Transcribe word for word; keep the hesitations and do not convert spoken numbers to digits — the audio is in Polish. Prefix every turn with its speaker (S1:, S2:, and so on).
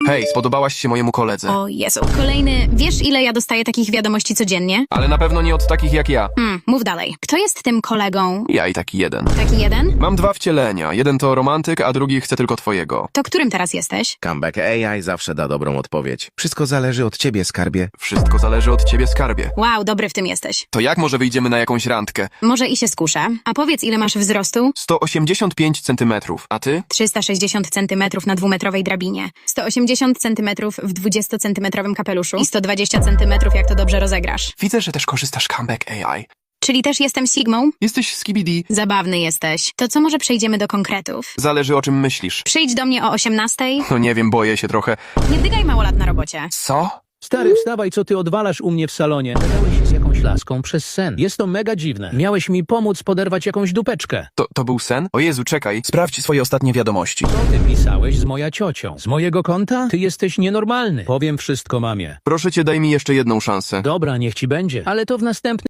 S1: Hej, spodobałaś się mojemu koledze.
S2: O Jezu, kolejny... Wiesz, ile ja dostaję takich wiadomości codziennie?
S1: Ale na pewno nie od takich jak ja.
S2: Hmm, mów dalej. Kto jest tym kolegą?
S1: Ja i taki jeden.
S2: Taki jeden?
S1: Mam dwa wcielenia. Jeden to romantyk, a drugi chce tylko twojego.
S2: To którym teraz jesteś?
S3: Comeback A I zawsze da dobrą odpowiedź. Wszystko zależy od ciebie, skarbie.
S1: Wszystko zależy od ciebie, skarbie.
S2: Wow, dobry w tym jesteś.
S1: To jak może wyjdziemy na jakąś randkę?
S2: Może i się skuszę. A powiedz, ile masz wzrostu?
S1: sto osiemdziesiąt pięć centymetrów. A ty?
S2: trzysta sześćdziesiąt centymetrów na dwumetrowej drabinie. sto osiemdziesiąt centymetrów w dwudziestocentymetrowym kapeluszu. I sto dwadzieścia centymetrów, jak to dobrze rozegrasz.
S1: Widzę, że też korzystasz Comeback A I.
S2: Czyli też jestem Sigmą?
S1: Jesteś skibidi.
S2: Zabawny jesteś. To co, może przejdziemy do konkretów?
S1: Zależy o czym myślisz.
S2: Przyjdź do mnie o osiemnastej.
S1: No nie wiem, boję się trochę.
S2: Nie dygaj małolat na robocie.
S1: Co?
S4: Stary, wstawaj, co ty odwalasz u mnie w salonie? Gadałeś się z jakąś laską przez sen. Jest to mega dziwne. Miałeś mi pomóc poderwać jakąś dupeczkę.
S1: To, to był sen? O Jezu, czekaj. Sprawdź swoje ostatnie wiadomości.
S4: Co ty pisałeś z moja ciocią? Z mojego konta? Ty jesteś nienormalny. Powiem wszystko mamie.
S1: Proszę cię, daj mi jeszcze jedną szansę.
S4: Dobra, niech ci będzie. Ale to w następnym...